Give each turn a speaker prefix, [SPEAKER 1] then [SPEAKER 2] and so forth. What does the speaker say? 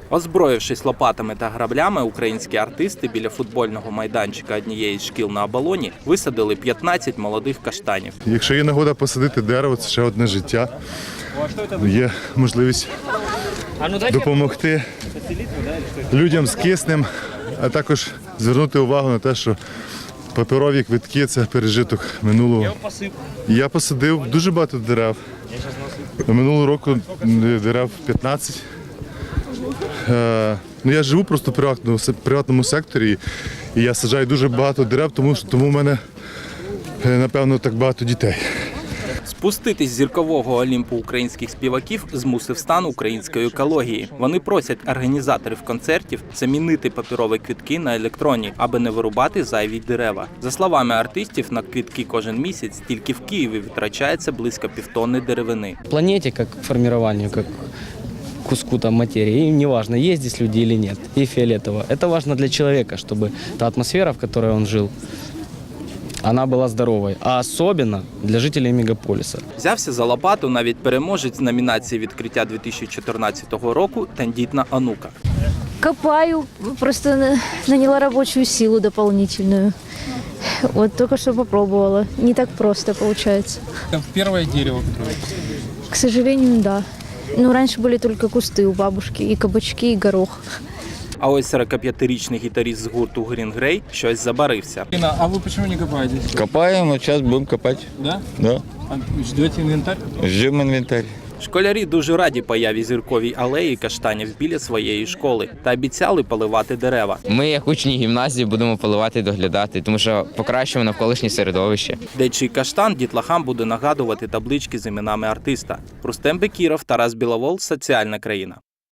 [SPEAKER 1] Озброївшись лопатами та граблями, українські артисти біля футбольного майданчика однієї з шкіл на Оболоні висадили 15 молодих каштанів.
[SPEAKER 2] Якщо є нагода посадити дерево, це ще одне життя. Є можливість допомогти людям з киснем, а також звернути увагу на те, що паперові квитки – це пережиток минулого. Я посадив дуже багато дерев. Минулого року дерев 15. Я живу просто в приватному секторі, і я саджаю дуже багато дерев, тому в мене, напевно, так багато дітей.
[SPEAKER 1] Спуститись з зіркового Олімпу українських співаків змусив стан української екології. Вони просять організаторів концертів замінити паперові квитки на електронні, аби не вирубати зайві дерева. За словами артистів, на квитки кожен місяць тільки в Києві витрачається близько півтонни деревини.
[SPEAKER 3] Планете, как формированию, как куску там материи, им не важно, есть здесь люди или нет, и фиолетово. Это важно для человека, чтобы та атмосфера, в которой он жил, она была здоровой, а особенно для жителей мегаполиса.
[SPEAKER 1] Взявся за лопату навіть переможець номінації відкриття 2014 року «Тендітна онука».
[SPEAKER 4] Копаю, просто наняла рабочую силу дополнительную. Вот только что попробовала. Не так просто получается.
[SPEAKER 5] Это первое дерево, которое...
[SPEAKER 4] К сожалению, да. Ну, раньше были только кусты у бабушки, и кабачки, и горох.
[SPEAKER 1] А ось 45-річний гітаріст з гурту Green Grey щось забарився.
[SPEAKER 5] А вы почему не копаете?
[SPEAKER 6] Копаем, вот сейчас будем копать.
[SPEAKER 5] Да?
[SPEAKER 6] Да.
[SPEAKER 5] А ждете инвентарь?
[SPEAKER 6] Ждем инвентарь.
[SPEAKER 1] Школярі дуже раді появі зірковій алеї каштанів біля своєї школи та обіцяли поливати дерева.
[SPEAKER 7] Ми, як учні гімназії, будемо поливати і доглядати, тому що покращуємо навколишнє середовище.
[SPEAKER 1] Дечий каштан дітлахам буде нагадувати таблички з іменами артиста. Рустем Бекіров, Тарас Біловол, Соціальна країна.